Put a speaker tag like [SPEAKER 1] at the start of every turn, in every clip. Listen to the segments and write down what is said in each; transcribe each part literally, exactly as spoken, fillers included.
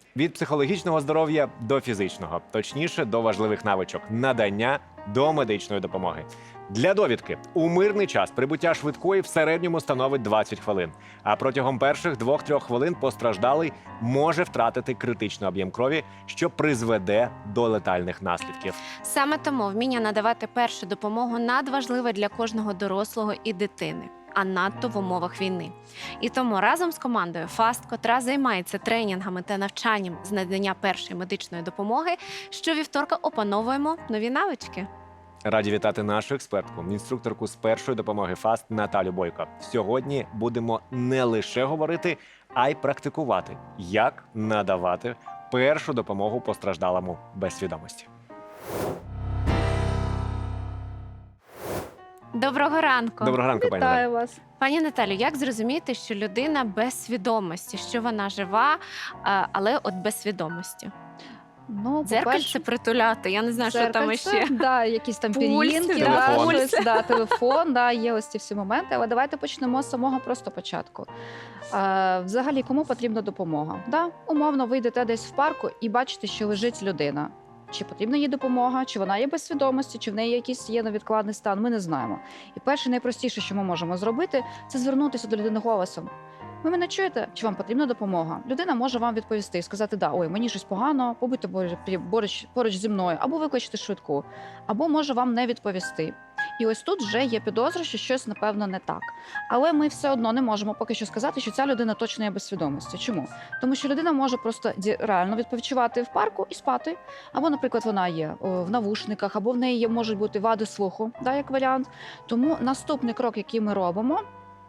[SPEAKER 1] Від психологічного здоров'я до фізичного, точніше, до важливих навичок надання до медичної допомоги. Для довідки, у мирний час прибуття швидкої в середньому становить двадцять хвилин, а протягом перших двох-трьох хвилин постраждалий може втратити критичний об'єм крові, що призведе до летальних наслідків.
[SPEAKER 2] Саме тому вміння надавати першу допомогу надважливе для кожного дорослого і дитини, а надто в умовах війни. І тому разом з командою ФАСТ, котра займається тренінгами та навчанням з надання першої медичної допомоги, щовівторка опановуємо нові навички.
[SPEAKER 1] Раді вітати нашу експертку, інструкторку з першої допомоги ФАСТ Наталю Бойко. Сьогодні будемо не лише говорити, а й практикувати, як надавати першу допомогу постраждалому без свідомості.
[SPEAKER 2] Доброго ранку.
[SPEAKER 1] Доброго ранку, пані Наталю.
[SPEAKER 3] Вітаю вас.
[SPEAKER 2] Пані Наталю, як зрозуміти, що людина без свідомості, що вона жива, а, але от без свідомості?
[SPEAKER 3] Ну,
[SPEAKER 2] Дзеркальце притуляти, я не знаю, що там
[SPEAKER 3] дзеркальце,
[SPEAKER 2] ще.
[SPEAKER 3] да, якісь там
[SPEAKER 2] Пульс,
[SPEAKER 3] пір'їнки,
[SPEAKER 1] телефон.
[SPEAKER 3] да, щось, да, телефон, да, є ось ці всі моменти. Але давайте почнемо з самого просто початку. Е, взагалі, кому потрібна допомога? Да? Умовно, ви йдете десь в парку і бачите, що лежить людина. Чи потрібна їй допомога, чи вона є без свідомості, чи в неї якийсь є невідкладний стан, ми не знаємо. І перше, найпростіше, що ми можемо зробити, це звернутися до людини голосом. Ви мене чуєте? Чи вам потрібна допомога? Людина може вам відповісти і сказати, да, ой, мені щось погано, побудьте поруч, поруч зі мною, або викличте швидку, або може вам не відповісти. І ось тут вже є підозра, що щось, напевно, не так. Але ми все одно не можемо поки що сказати, що ця людина точно є без свідомості. Чому? Тому що людина може просто реально відпочивати в парку і спати. Або, наприклад, вона є в навушниках, або в неї є, можуть бути вади слуху, да, як варіант. Тому наступний крок, який ми робимо,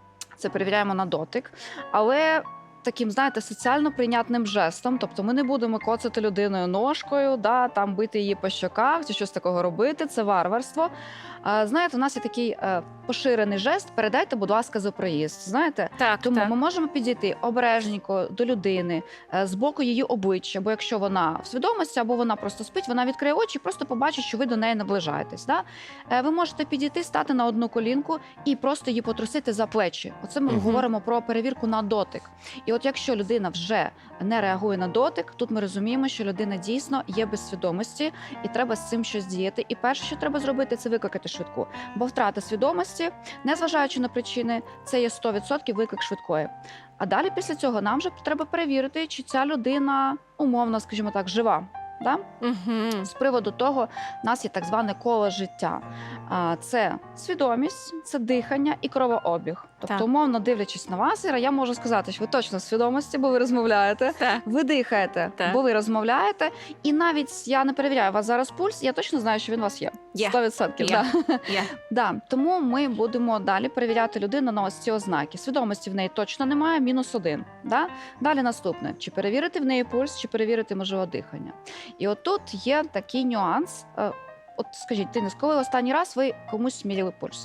[SPEAKER 3] це перевіряємо на дотик, але таким, знаєте, соціально прийнятним жестом. Тобто ми не будемо коцати людиною ножкою, да, там бити її по щоках чи щось такого робити, це варварство. А, знаєте, у нас є такий е, поширений жест «передайте, будь ласка, за проїзд». Знаєте?
[SPEAKER 2] Так,
[SPEAKER 3] Тому
[SPEAKER 2] так.
[SPEAKER 3] ми можемо підійти обережненько до людини, е, з боку її обличчя, бо якщо вона в свідомості або вона просто спить, вона відкриє очі і просто побачить, що ви до неї наближаєтесь. Да? Е, ви можете підійти, стати на одну колінку і просто її потрусити за плечі. Оце ми
[SPEAKER 1] Мгм.
[SPEAKER 3] говоримо про перевірку на дотик. І от якщо людина вже не реагує на дотик, тут ми розуміємо, що людина дійсно є без свідомості і треба з цим щось діяти. І перше, що треба зробити, це викликати швидку. Бо втрата свідомості, незважаючи на причини, це є сто відсотків виклик швидкої. А далі після цього нам вже треба перевірити, чи ця людина умовно, скажімо так, жива. Да?
[SPEAKER 2] Угу.
[SPEAKER 3] З приводу того, в нас є так зване коло життя. А, Це свідомість, це дихання і кровообіг. Тобто,
[SPEAKER 2] Так.
[SPEAKER 3] умовно дивлячись на вас, Іра, я можу сказати, що ви точно в свідомості, бо ви розмовляєте.
[SPEAKER 2] Так.
[SPEAKER 3] Ви дихаєте,
[SPEAKER 2] Так.
[SPEAKER 3] бо ви розмовляєте. І навіть я не перевіряю у вас зараз пульс, я точно знаю, що він у вас є.
[SPEAKER 2] Є.
[SPEAKER 3] сто відсотків.
[SPEAKER 2] Є.
[SPEAKER 3] Да.
[SPEAKER 2] Є.
[SPEAKER 3] Да. Тому ми будемо далі перевіряти людину на ось ці ознаки. Свідомості в неї точно немає, мінус один. Да? Далі наступне. Чи перевірити в неї пульс, чи перевірити, можливо, дихання. І от тут є такий нюанс. Е, От скажіть, Денис, коли останній раз ви комусь зміряли пульс?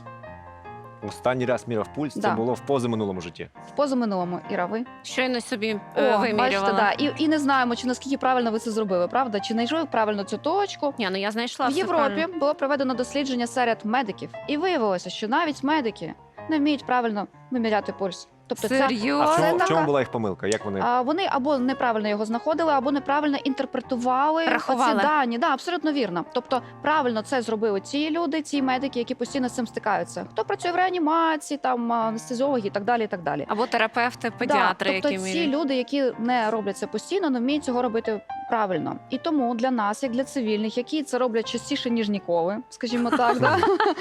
[SPEAKER 1] Останній раз міряв пульс, це
[SPEAKER 3] Да.
[SPEAKER 1] було в позаминулому житті.
[SPEAKER 3] В позаминулому, Іра, ви?
[SPEAKER 2] Щойно собі
[SPEAKER 3] О,
[SPEAKER 2] е,
[SPEAKER 3] бачите,
[SPEAKER 2] вимірювала.
[SPEAKER 3] да. і, і не знаємо, чи наскільки правильно ви це зробили, правда? Чи знайшли ви правильно цю точку?
[SPEAKER 2] Ні, ну я знайшла
[SPEAKER 3] В
[SPEAKER 2] все
[SPEAKER 3] Європі
[SPEAKER 2] правильно.
[SPEAKER 3] було проведено дослідження серед медиків, і виявилося, що навіть медики не вміють правильно виміряти пульс. Тобто ця,
[SPEAKER 1] А в
[SPEAKER 2] Серйозно?
[SPEAKER 3] Це
[SPEAKER 1] чому, в
[SPEAKER 3] така-
[SPEAKER 1] чому була їх помилка? Як вони?
[SPEAKER 3] а, вони або неправильно його знаходили, або неправильно інтерпретували
[SPEAKER 2] Рахували.
[SPEAKER 3] ці дані. Да, абсолютно вірно. Тобто правильно це зробили ці люди, ці медики, які постійно з цим стикаються. Хто працює в реанімації, там анестезіологи і так далі. І так далі.
[SPEAKER 2] Або терапевти, педіатри,
[SPEAKER 3] да, тобто
[SPEAKER 2] які
[SPEAKER 3] ці
[SPEAKER 2] міряють.
[SPEAKER 3] люди, які не роблять це постійно, не вміють цього робити правильно. І тому для нас, як для цивільних, які це роблять частіше, ніж ніколи, скажімо так, да?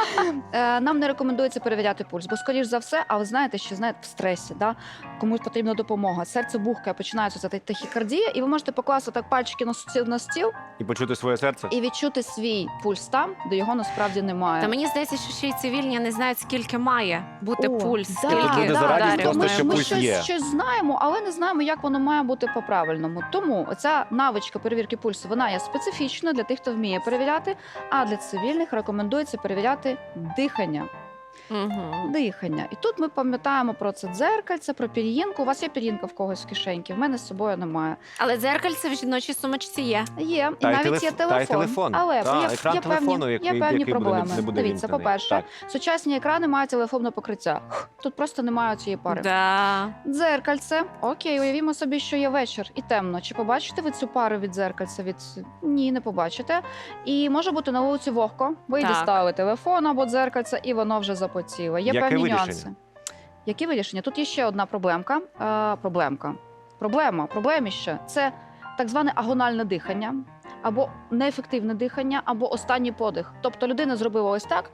[SPEAKER 3] е, нам не рекомендується перевіряти пульс, бо, скоріш за все, а ви знаєте, що знаєте, в стресі, да? Комусь потрібна допомога, серце бухкає, починається ця тахікардія, і ви можете покласти так пальчики на стіл, на стіл
[SPEAKER 1] І почути своє серце?
[SPEAKER 3] і відчути свій пульс там, де його насправді немає.
[SPEAKER 2] Та мені здається, що ще й цивільні не знають, скільки має бути
[SPEAKER 3] О,
[SPEAKER 2] пульс,
[SPEAKER 3] да,
[SPEAKER 2] скільки
[SPEAKER 1] Тут люди
[SPEAKER 3] да,
[SPEAKER 1] зараді
[SPEAKER 2] ударів
[SPEAKER 1] просто,
[SPEAKER 3] ми,
[SPEAKER 2] має
[SPEAKER 1] що
[SPEAKER 3] ми
[SPEAKER 2] бути.
[SPEAKER 1] пульс
[SPEAKER 3] щось,
[SPEAKER 1] є.
[SPEAKER 3] щось знаємо, але не знаємо, як воно має бути по-правильному. Тому ця навичка перевірки пульсу, вона є специфічна для тих, хто вміє перевіряти, а для цивільних рекомендується перевіряти дихання.
[SPEAKER 2] Угу.
[SPEAKER 3] Дихання. І тут ми пам'ятаємо про це дзеркальце, про пір'їнку. У вас є пір'їнка в когось в кишеньці, в мене з собою немає.
[SPEAKER 2] Але дзеркальце в жіночій сумочці є.
[SPEAKER 3] Є,
[SPEAKER 1] Та
[SPEAKER 3] і
[SPEAKER 1] й
[SPEAKER 3] навіть
[SPEAKER 1] телеф-
[SPEAKER 3] є
[SPEAKER 1] та й
[SPEAKER 3] телефон.
[SPEAKER 1] телефон.
[SPEAKER 3] Але
[SPEAKER 1] Та,
[SPEAKER 3] є,
[SPEAKER 1] екран
[SPEAKER 3] є
[SPEAKER 1] телефону,
[SPEAKER 3] певні,
[SPEAKER 1] який-
[SPEAKER 3] є певні
[SPEAKER 1] який буде-
[SPEAKER 3] проблеми.
[SPEAKER 1] не буде
[SPEAKER 3] Дивіться,
[SPEAKER 1] вімкнений.
[SPEAKER 3] по-перше,
[SPEAKER 1] Так.
[SPEAKER 3] сучасні екрани мають телефонне покриття. Тут просто немає цієї пари.
[SPEAKER 2] Да.
[SPEAKER 3] Дзеркальце. Окей, уявімо собі, що є вечір і темно. Чи побачите ви цю пару від дзеркальця? Від... Ні, не побачите. І може бути на вулиці вогко. Ви
[SPEAKER 2] Так.
[SPEAKER 3] дістали телефон або дзеркальце, і воно вже запотіло. Є
[SPEAKER 1] Яке
[SPEAKER 3] певні
[SPEAKER 1] вирішення?
[SPEAKER 3] нюанси. Які вирішення? Тут є ще одна проблемка. Е, проблемка. Проблема, проблеміще – це так зване агональне дихання, або неефективне дихання, або останній подих. Тобто людина зробила ось так,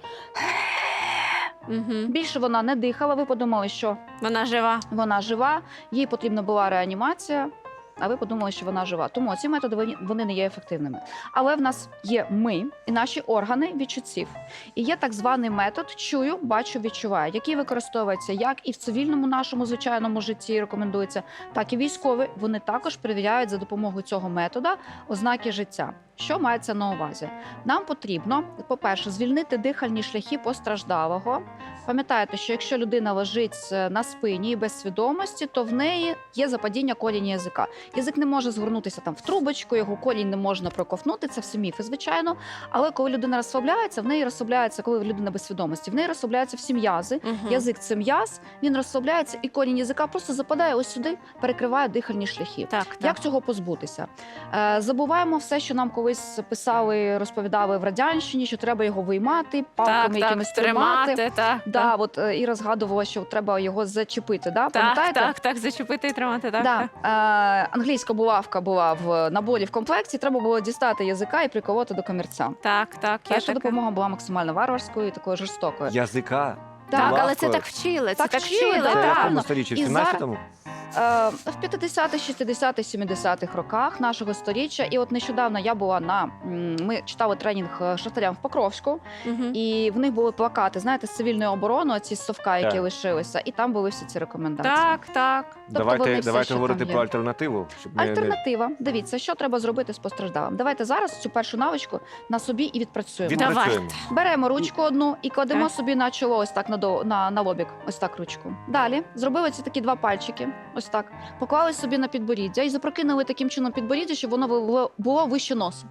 [SPEAKER 2] Угу.
[SPEAKER 3] більше вона не дихала, ви подумали, що
[SPEAKER 2] Вона жива.
[SPEAKER 3] вона жива, їй потрібна була реанімація, а ви подумали, що вона жива. Тому ці методи вони- вони не є ефективними. Але в нас є ми і наші органи відчуттів. І є так званий метод чую, бачу, відчуваю, який використовується як і в цивільному нашому звичайному житті рекомендується, так і військові. Вони також перевіряють за допомогою цього метода ознаки життя. Що мається на увазі? Нам потрібно, по-перше, звільнити дихальні шляхи постраждалого. Пам'ятаєте, що якщо людина лежить е, на спині і без свідомості, то в неї є западіння коліні язика. Язик не може згорнутися там в трубочку, його колінь не можна проковтнути, це все міфи, звичайно. Але коли людина розслабляється, в неї розслабляється, коли людина без свідомості, в неї розслабляються всі м'язи.
[SPEAKER 2] Угу.
[SPEAKER 3] Язик це м'яз, він розслабляється, і колінь язика просто западає ось сюди, перекриває дихальні шляхи.
[SPEAKER 2] Так, так.
[SPEAKER 3] Як цього позбутися? Е, забуваємо все, що нам колись писали, розповідали в радянщині, що треба його виймати, палками
[SPEAKER 2] так, так,
[SPEAKER 3] якимись тримати.
[SPEAKER 2] тримати, так.
[SPEAKER 3] Да, от е, і розгадувала, що треба його зачепити. Да?
[SPEAKER 2] Так,
[SPEAKER 3] Пам'ятаєте?
[SPEAKER 2] так, так, зачепити і тримати, так.
[SPEAKER 3] Да.
[SPEAKER 2] так.
[SPEAKER 3] Е, англійська булавка була в наборі в комплекті. Треба було дістати язика і приколоти до комірця.
[SPEAKER 2] Так, так, є
[SPEAKER 3] Перша
[SPEAKER 2] таке.
[SPEAKER 3] допомога була максимально варварською і такою жорстокою.
[SPEAKER 1] Язика.
[SPEAKER 2] Так, але
[SPEAKER 1] Лавкою.
[SPEAKER 2] це так вчили, це
[SPEAKER 3] Так
[SPEAKER 2] так
[SPEAKER 3] вчили,
[SPEAKER 2] вчили,
[SPEAKER 3] да.
[SPEAKER 1] Це в
[SPEAKER 2] так.
[SPEAKER 1] якому сторіччі? В
[SPEAKER 3] І зараз-
[SPEAKER 1] сімнадцятому?
[SPEAKER 3] Е, в п'ятдесятих, шістдесятих, сімдесятих роках нашого сторіччя. І от нещодавно я була на м, ми читали тренінг е, шахтарям в Покровську,
[SPEAKER 2] Мгм.
[SPEAKER 3] і в них були плакати, знаєте, з цивільної оборони, ці з совка, які
[SPEAKER 1] Так.
[SPEAKER 3] лишилися, і там були всі ці рекомендації.
[SPEAKER 2] Так, так.
[SPEAKER 3] Тобто
[SPEAKER 1] Давайте,
[SPEAKER 3] вони все,
[SPEAKER 1] давайте
[SPEAKER 3] що
[SPEAKER 1] говорити
[SPEAKER 3] там є.
[SPEAKER 1] про альтернативу. Щоб не- не-
[SPEAKER 3] Альтернатива. Дивіться, що треба зробити з постраждалим. Давайте зараз цю першу навичку на собі і відпрацюємо.
[SPEAKER 1] Від-
[SPEAKER 2] Давайте.
[SPEAKER 1] Відпрацюємо.
[SPEAKER 3] Беремо ручку одну і кладемо
[SPEAKER 2] Так.
[SPEAKER 3] собі на чоло, ось так на, до, на, на лобік, ось так ручку. Далі зробили ці такі два пальчики, ось так. Поклали собі на підборіддя і запрокинули таким чином підборіддя, щоб воно було, було вище носу.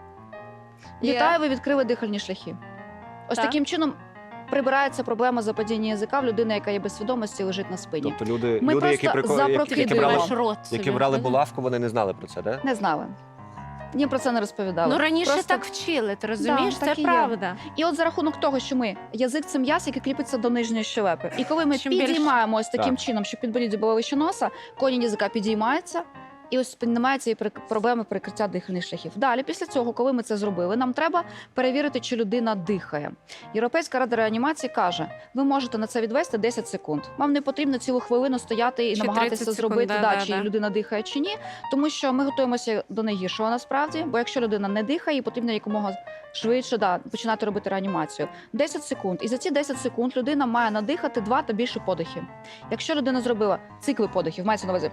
[SPEAKER 2] Є.
[SPEAKER 3] Вітаю, ви відкрили дихальні шляхи. Ось
[SPEAKER 2] Так.
[SPEAKER 3] таким чином прибирається проблема западіння язика в людини, яка є без свідомості, лежить на спині.
[SPEAKER 1] Тобто люди,
[SPEAKER 3] Ми
[SPEAKER 1] люди які,
[SPEAKER 3] просто
[SPEAKER 1] прико- які, які
[SPEAKER 3] запрокидуємо.
[SPEAKER 1] брали,
[SPEAKER 2] Ваш рот
[SPEAKER 1] які
[SPEAKER 2] собі.
[SPEAKER 1] брали
[SPEAKER 2] Мгм.
[SPEAKER 1] булавку, вони не знали про це, так?
[SPEAKER 3] Не знали. Їм про це не розповідали.
[SPEAKER 2] Ну раніше
[SPEAKER 3] Просто-
[SPEAKER 2] так вчили, ти розумієш?
[SPEAKER 3] так
[SPEAKER 2] Це
[SPEAKER 3] і є.
[SPEAKER 2] правда.
[SPEAKER 3] І от за рахунок того, що ми язик це м'яз, який кріпиться до нижньої щелепи. І коли ми
[SPEAKER 2] Чим більше-
[SPEAKER 3] підіймаємо ось таким
[SPEAKER 1] Так.
[SPEAKER 3] чином, щоб підборіддя було вище носа, колінь язика підіймається. І ось піднімається і прик- проблеми перекриття дихальних шляхів. Далі, після цього, коли ми це зробили, нам треба перевірити, чи людина дихає. Європейська рада реанімації каже: ви можете на це відвести десять секунд. Вам не потрібно цілу хвилину стояти і
[SPEAKER 2] Чи
[SPEAKER 3] намагатися
[SPEAKER 2] тридцять секунд,
[SPEAKER 3] зробити,
[SPEAKER 2] да,
[SPEAKER 3] да,
[SPEAKER 2] да,
[SPEAKER 3] чи
[SPEAKER 2] да.
[SPEAKER 3] людина дихає чи ні, тому що ми готуємося до найгіршого насправді. Бо якщо людина не дихає, їй потрібно якомога швидше да, починати робити реанімацію. десять секунд. І за ці десять секунд людина має надихати два та більше подихів. Якщо людина зробила цикли подихів, мається на увазі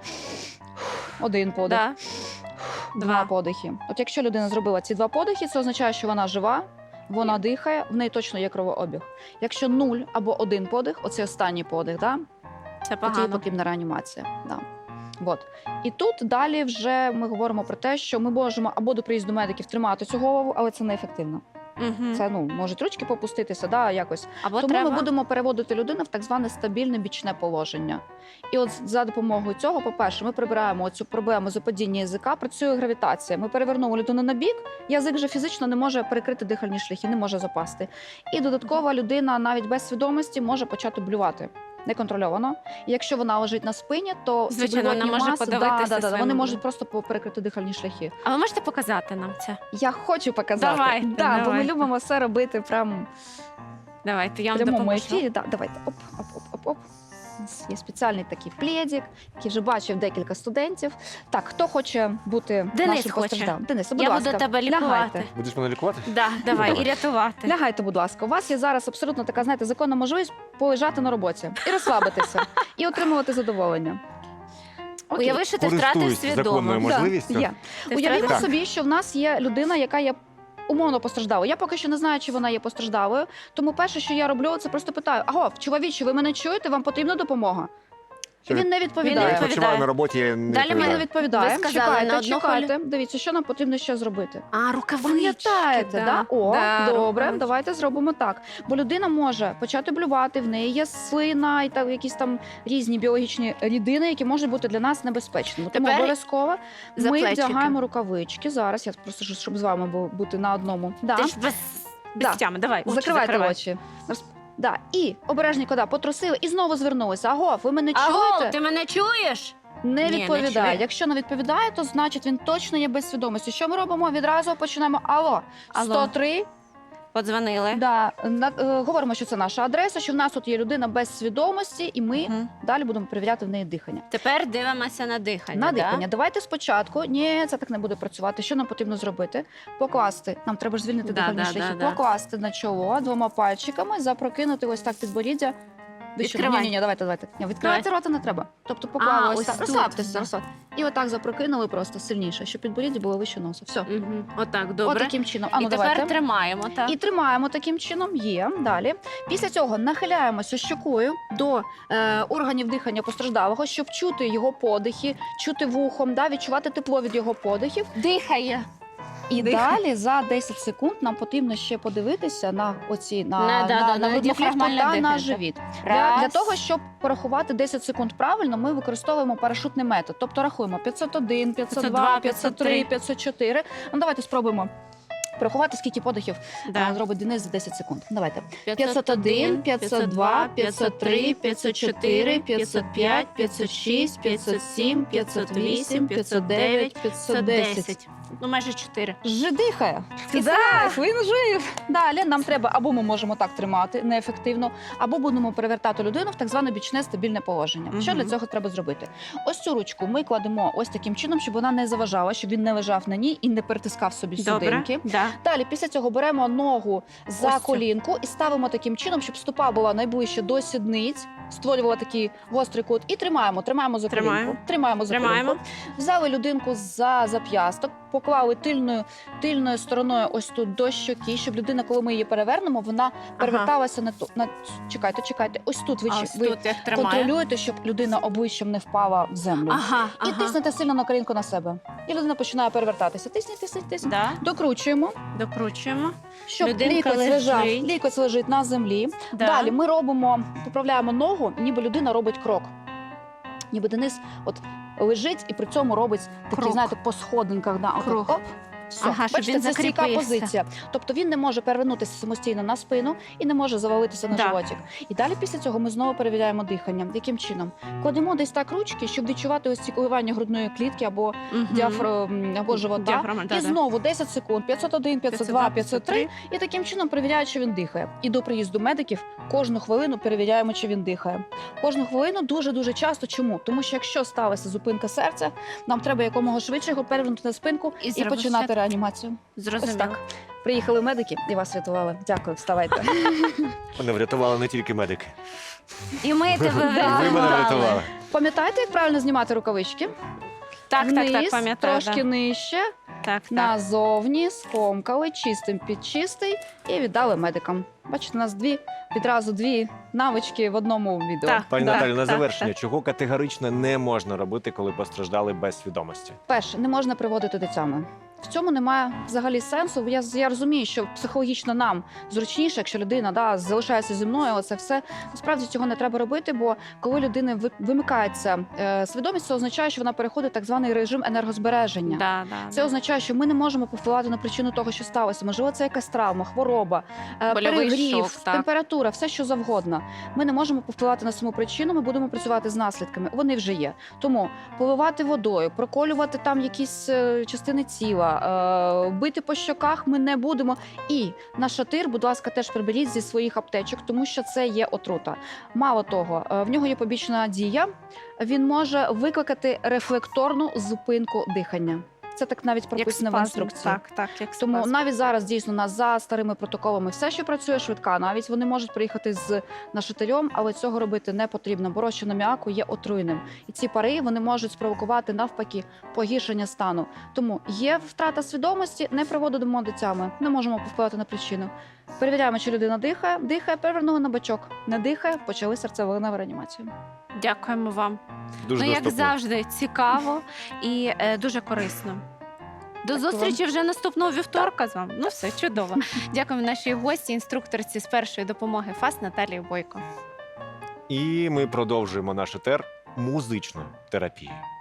[SPEAKER 3] один подих.
[SPEAKER 2] Да.
[SPEAKER 3] Два
[SPEAKER 2] Два.
[SPEAKER 3] подихи. От якщо людина зробила ці два подихи, це означає, що вона жива, вона дихає, в неї точно є кровообіг. Якщо нуль або один подих, оцей останній подих, да,
[SPEAKER 2] Це
[SPEAKER 3] тоді їй
[SPEAKER 2] погано.
[SPEAKER 3] потрібна реанімація. Да. От. І тут далі вже ми говоримо про те, що ми можемо або до приїзду медиків тримати цю голову, але це неефективно.
[SPEAKER 2] Мгм.
[SPEAKER 3] Це ну можуть ручки попуститися, да, якось.
[SPEAKER 2] Або
[SPEAKER 3] Тому
[SPEAKER 2] треба...
[SPEAKER 3] ми будемо переводити людину в так зване стабільне бічне положення. І от за допомогою цього, по-перше, ми прибираємо цю проблему западіння язика, працює гравітація. Ми перевернули людину на бік, язик вже фізично не може перекрити дихальні шляхи, не може запасти. І додатково людина навіть без свідомості може почати блювати. Неконтрольовано. І якщо вона лежить на спині, то ці
[SPEAKER 2] Звичайно, вона
[SPEAKER 3] блювотні
[SPEAKER 2] може
[SPEAKER 3] маси,
[SPEAKER 2] подавитися
[SPEAKER 3] да, да, да,
[SPEAKER 2] своїм
[SPEAKER 3] вони
[SPEAKER 2] блюдом.
[SPEAKER 3] можуть просто по- перекрити дихальні шляхи.
[SPEAKER 2] А ви можете показати нам це?
[SPEAKER 3] Я хочу показати.
[SPEAKER 2] Давайте,
[SPEAKER 3] да, бо ми
[SPEAKER 2] давайте.
[SPEAKER 3] любимо все робити прям
[SPEAKER 2] Давайте, я
[SPEAKER 3] в
[SPEAKER 2] вам
[SPEAKER 3] прямому
[SPEAKER 2] допоможу.
[SPEAKER 3] ефірі. Да, давайте. Оп, оп, оп, оп, оп. У нас є спеціальний такий плєдік, який вже бачив декілька студентів. Так, хто хоче бути
[SPEAKER 2] Денис
[SPEAKER 3] нашим
[SPEAKER 2] хоче.
[SPEAKER 3] постраждалим? Денис, будь
[SPEAKER 2] Я
[SPEAKER 3] ласка,
[SPEAKER 2] буду тебе лікувати.
[SPEAKER 3] лягайте.
[SPEAKER 1] Будеш мене лікувати?
[SPEAKER 2] Да, давай,
[SPEAKER 1] Давай.
[SPEAKER 2] і рятувати.
[SPEAKER 3] Лягайте, будь ласка. У вас є зараз абсолютно така, знаєте, законна можливість полежати на роботі і розслабитися, і отримувати задоволення. Окей.
[SPEAKER 2] Уяви, що ти втратив
[SPEAKER 1] Користуюсь законною
[SPEAKER 2] свідомість.
[SPEAKER 1] можливістю.
[SPEAKER 3] Да, є.
[SPEAKER 2] Ти
[SPEAKER 3] Уявімо
[SPEAKER 2] втратив-
[SPEAKER 3] собі, що в нас є людина, яка є умовно постраждалою. Я поки що не знаю, чи вона є постраждалою. Тому перше, що я роблю, це просто питаю: аго, чоловіче, ви мене чуєте? Вам потрібна допомога? І він не
[SPEAKER 1] Я
[SPEAKER 3] відповідає.
[SPEAKER 2] відповідає.
[SPEAKER 1] відпочиваю на роботі. Не
[SPEAKER 2] Далі
[SPEAKER 3] Він не
[SPEAKER 2] мене
[SPEAKER 3] відповідає.
[SPEAKER 2] Ви сказали,
[SPEAKER 3] Чекайте,
[SPEAKER 2] на одну
[SPEAKER 3] чекайте. Дивіться, що нам потрібно ще зробити.
[SPEAKER 2] А, рукавички.
[SPEAKER 3] Пам'ятаєте, да? О,
[SPEAKER 2] Да,
[SPEAKER 3] добре,
[SPEAKER 2] рукавички.
[SPEAKER 3] давайте зробимо так. Бо людина може почати блювати, в неї є слина і так, якісь там різні біологічні рідини, які можуть бути для нас небезпечними. Тому
[SPEAKER 2] Тепер
[SPEAKER 3] обов'язково
[SPEAKER 2] за
[SPEAKER 3] ми
[SPEAKER 2] плечики.
[SPEAKER 3] вдягаємо рукавички. Зараз я просто щоб- щоб з вами бу- бути на одному. Да.
[SPEAKER 2] Ти ж без, без
[SPEAKER 3] Да.
[SPEAKER 2] тями, давай, очі
[SPEAKER 3] Закривайте
[SPEAKER 2] закривай.
[SPEAKER 3] очі. Роз- Да. І обережненько, да, потрусили і знову звернулися. Аго, ви мене
[SPEAKER 2] Аго,
[SPEAKER 3] чуєте?
[SPEAKER 2] ти мене чуєш?
[SPEAKER 3] Не
[SPEAKER 2] Ні, не
[SPEAKER 3] відповідає.
[SPEAKER 2] чує.
[SPEAKER 3] Якщо не відповідає, то значить він точно є без свідомості. Що ми робимо? Відразу починаємо. Алло,
[SPEAKER 2] Алло.
[SPEAKER 3] сто три.
[SPEAKER 2] Подзвонили.
[SPEAKER 3] Да, на, е, говоримо, що це наша адреса, що в нас тут є людина без свідомості, і ми
[SPEAKER 2] Мгм.
[SPEAKER 3] далі будемо перевіряти в неї дихання.
[SPEAKER 2] Тепер дивимося на дихання.
[SPEAKER 3] На
[SPEAKER 2] да?
[SPEAKER 3] дихання. Давайте спочатку. Ні, це так не буде працювати. Що нам потрібно зробити? Покласти. Нам треба ж звільнити
[SPEAKER 2] Да,
[SPEAKER 3] дихальні
[SPEAKER 2] да,
[SPEAKER 3] шляхи.
[SPEAKER 2] да, да.
[SPEAKER 3] Покласти на чоло двома пальчиками, запрокинути ось так підборіддя. Вище.
[SPEAKER 2] Відкривай.
[SPEAKER 3] Ні, ні, ні, давайте, давайте. Ні, відкривати рота не треба. Тобто поклали
[SPEAKER 2] А,
[SPEAKER 3] ось
[SPEAKER 2] ось
[SPEAKER 3] так.
[SPEAKER 2] тут,
[SPEAKER 3] Розслабтеся,
[SPEAKER 2] да.
[SPEAKER 3] розслаб- І отак запрокинули просто сильніше, щоб підборіддя було вище носу. Все.
[SPEAKER 2] Угу. Отак, добре.
[SPEAKER 3] Отаким чином. А ну
[SPEAKER 2] І тепер
[SPEAKER 3] давайте.
[SPEAKER 2] тримаємо, так?
[SPEAKER 3] І тримаємо таким чином. Є далі. Після цього нахиляємося щокою до е, органів дихання постраждалого, щоб чути його подихи, чути вухом, да, відчувати тепло від його подихів.
[SPEAKER 2] Дихає.
[SPEAKER 3] І
[SPEAKER 2] Дихає.
[SPEAKER 3] далі за десять секунд нам потрібно ще подивитися на оці на,
[SPEAKER 2] На-
[SPEAKER 3] на,
[SPEAKER 2] да,
[SPEAKER 3] на,
[SPEAKER 2] да, на
[SPEAKER 3] грудну клітку
[SPEAKER 2] діафрагмальне
[SPEAKER 3] та на
[SPEAKER 2] дихання.
[SPEAKER 3] живіт. Для,
[SPEAKER 2] Раз.
[SPEAKER 3] для того, щоб порахувати десять секунд правильно, ми використовуємо парашутний метод. Тобто рахуємо п'ятсот один, п'ятсот два, п'ятсот три, п'ятсот чотири. Ну давайте спробуємо порахувати, скільки подихів
[SPEAKER 2] Да.
[SPEAKER 3] а, зробить Денис за десять секунд. Давайте. п'ятсот один, п'ятсот два, п'ятсот три, п'ятсот чотири, п'ятсот п'ять, п'ятсот шість, п'ятсот сім, п'ятсот вісім, п'ятсот дев'ять, п'ятсот десять.
[SPEAKER 2] Ну, майже чотири.
[SPEAKER 3] Вже дихає.
[SPEAKER 2] Да.
[SPEAKER 3] Так, він жив. Далі нам треба, або ми можемо так тримати неефективно, або будемо перевертати людину в так зване бічне стабільне положення.
[SPEAKER 2] Мгм.
[SPEAKER 3] Що для цього треба зробити? Ось цю ручку ми кладемо ось таким чином, щоб вона не заважала, щоб він не лежав на ній і не перетискав собі
[SPEAKER 2] Добре.
[SPEAKER 3] судинки.
[SPEAKER 2] Да.
[SPEAKER 3] Далі, після цього беремо ногу за
[SPEAKER 2] Ось цю.
[SPEAKER 3] колінку і ставимо таким чином, щоб стопа була найближче до сідниць, створювала такий гострий кут. І тримаємо, тримаємо за
[SPEAKER 2] Тримаємо.
[SPEAKER 3] колінку. Тримаємо за
[SPEAKER 2] Тримаємо.
[SPEAKER 3] колінку. Взяли людинку за зап'ясток, поклали тильною, тильною стороною ось тут до щоки, щоб людина, коли ми її перевернемо, вона переверталася на ту. На чекайте, чекайте. Ось тут ви,
[SPEAKER 2] А
[SPEAKER 3] чи-
[SPEAKER 2] ось
[SPEAKER 3] ви
[SPEAKER 2] тут як тримає.
[SPEAKER 3] контролюєте, щоб людина обличчям не впала в землю.
[SPEAKER 2] Ага,
[SPEAKER 3] І
[SPEAKER 2] ага.
[SPEAKER 3] тиснете сильно на колінку на себе. І людина починає перевертатися. Тисніть, тисніть, тисніть.
[SPEAKER 2] Да.
[SPEAKER 3] Докручуємо.
[SPEAKER 2] Докручуємо.
[SPEAKER 3] Щоб
[SPEAKER 2] Людинка
[SPEAKER 3] лікоть
[SPEAKER 2] лежить.
[SPEAKER 3] лежав, лікоть лежить на землі.
[SPEAKER 2] Да.
[SPEAKER 3] Далі ми робимо, поправляємо ногу, ніби людина робить крок. Ніби Денис от лежить і при цьому робить такий,
[SPEAKER 2] Крок.
[SPEAKER 3] знаєте, по сходинках. Да, отак,
[SPEAKER 2] Крок.
[SPEAKER 3] оп. Все.
[SPEAKER 2] Ага, щоб
[SPEAKER 3] Бачите,
[SPEAKER 2] він
[SPEAKER 3] це стійка
[SPEAKER 2] закріпився.
[SPEAKER 3] позиція. Тобто він не може перевернутися самостійно на спину і не може завалитися на
[SPEAKER 2] Да.
[SPEAKER 3] животик. І далі після цього ми знову перевіряємо дихання. Яким чином? Кладемо десь так ручки, щоб відчувати ось ці коливання грудної клітки або
[SPEAKER 2] Мгм.
[SPEAKER 3] діафрагм, або живота.
[SPEAKER 2] Діафрагма, да,
[SPEAKER 3] І
[SPEAKER 2] да.
[SPEAKER 3] знову десять секунд, п'ятсот один, п'ятсот два, п'ятсот три. І таким чином перевіряють, чи він дихає. І до приїзду медиків кожну хвилину перевіряємо, чи він дихає. Кожну хвилину дуже-дуже часто. Чому? Тому що якщо сталася зупинка серця, нам треба якомога швидше його перевернути на спинку
[SPEAKER 2] І
[SPEAKER 3] і,
[SPEAKER 2] зробити
[SPEAKER 3] починати
[SPEAKER 2] ще-
[SPEAKER 3] реанімацію. Ось
[SPEAKER 2] Зрозуміло.
[SPEAKER 3] так. Приїхали медики і вас врятували. Дякую, вставайте.
[SPEAKER 1] Мене врятували не тільки медики.
[SPEAKER 2] І ми тебе
[SPEAKER 3] Да.
[SPEAKER 1] Ви мене
[SPEAKER 2] врятували.
[SPEAKER 1] врятували.
[SPEAKER 3] Пам'ятаєте, як правильно знімати рукавички?
[SPEAKER 2] Так, так,
[SPEAKER 3] Вниз,
[SPEAKER 2] так, пам'ятаю.
[SPEAKER 3] трошки
[SPEAKER 2] да.
[SPEAKER 3] нижче,
[SPEAKER 2] Так, так.
[SPEAKER 3] назовні, скомкали, чистим під чистий і віддали медикам. Бачите, у нас дві відразу дві навички в одному відео.
[SPEAKER 2] Так.
[SPEAKER 1] Пані
[SPEAKER 2] Так,
[SPEAKER 1] Наталю, на
[SPEAKER 2] так,
[SPEAKER 1] завершення, чого категорично не можна робити, коли постраждали без свідомості?
[SPEAKER 3] Перше, не можна приводити до тями. В цьому немає взагалі сенсу. Я, я розумію, що психологічно нам зручніше, якщо людина да, залишається зі мною, оце все. Насправді цього не треба робити, бо коли людина ви- вимикається е, свідомість, це означає, що вона переходить в так званий режим енергозбереження.
[SPEAKER 2] Да, да,
[SPEAKER 3] Це
[SPEAKER 2] да.
[SPEAKER 3] означає, що ми не можемо повпливати на причину того, що сталося. Можливо, це якась травма, хвороба, е,
[SPEAKER 2] Больовий
[SPEAKER 3] перегрів,
[SPEAKER 2] шок, так.
[SPEAKER 3] температура, все що завгодно. Ми не можемо повпливати на саму причину. Ми будемо працювати з наслідками. Вони вже є. Тому поливати водою, проколювати там якісь е, частини тіла, е, бити по щоках ми не будемо. І на шатир, будь ласка, теж приберіть зі своїх аптечок, тому що це є отрута. Мало того, е, в нього є побічна дія. Він може викликати рефлекторну зупинку дихання. це так навіть
[SPEAKER 2] Як
[SPEAKER 3] прописано в
[SPEAKER 2] спазм.
[SPEAKER 3] інструкції.
[SPEAKER 2] Так, так, як
[SPEAKER 3] Тому
[SPEAKER 2] спазм.
[SPEAKER 3] навіть зараз дійсно у нас за старими протоколами все, що працює швидка, навіть вони можуть приїхати з нашатирем, але цього робити не потрібно, бо розчин аміаку є отруйним. І ці пари вони можуть спровокувати навпаки погіршення стану. Тому є втрата свідомості, не приводимо до тями, не можемо повпливати на причину. Перевіряємо, чи людина дихає, дихає, перевернули на бочок, не дихає, почали серцево-легеневу реанімацію.
[SPEAKER 2] Дякуємо вам.
[SPEAKER 1] Дуже
[SPEAKER 2] Ну, як
[SPEAKER 1] доступно.
[SPEAKER 2] завжди, цікаво і е, дуже корисно. До
[SPEAKER 3] Дякую
[SPEAKER 2] зустрічі вже наступного вівторка з вами. Ну все, чудово. Дякуємо нашій гості, інструкторці з першої допомоги ФАС Наталії Бойко.
[SPEAKER 1] І ми продовжуємо наш етер музичною терапією.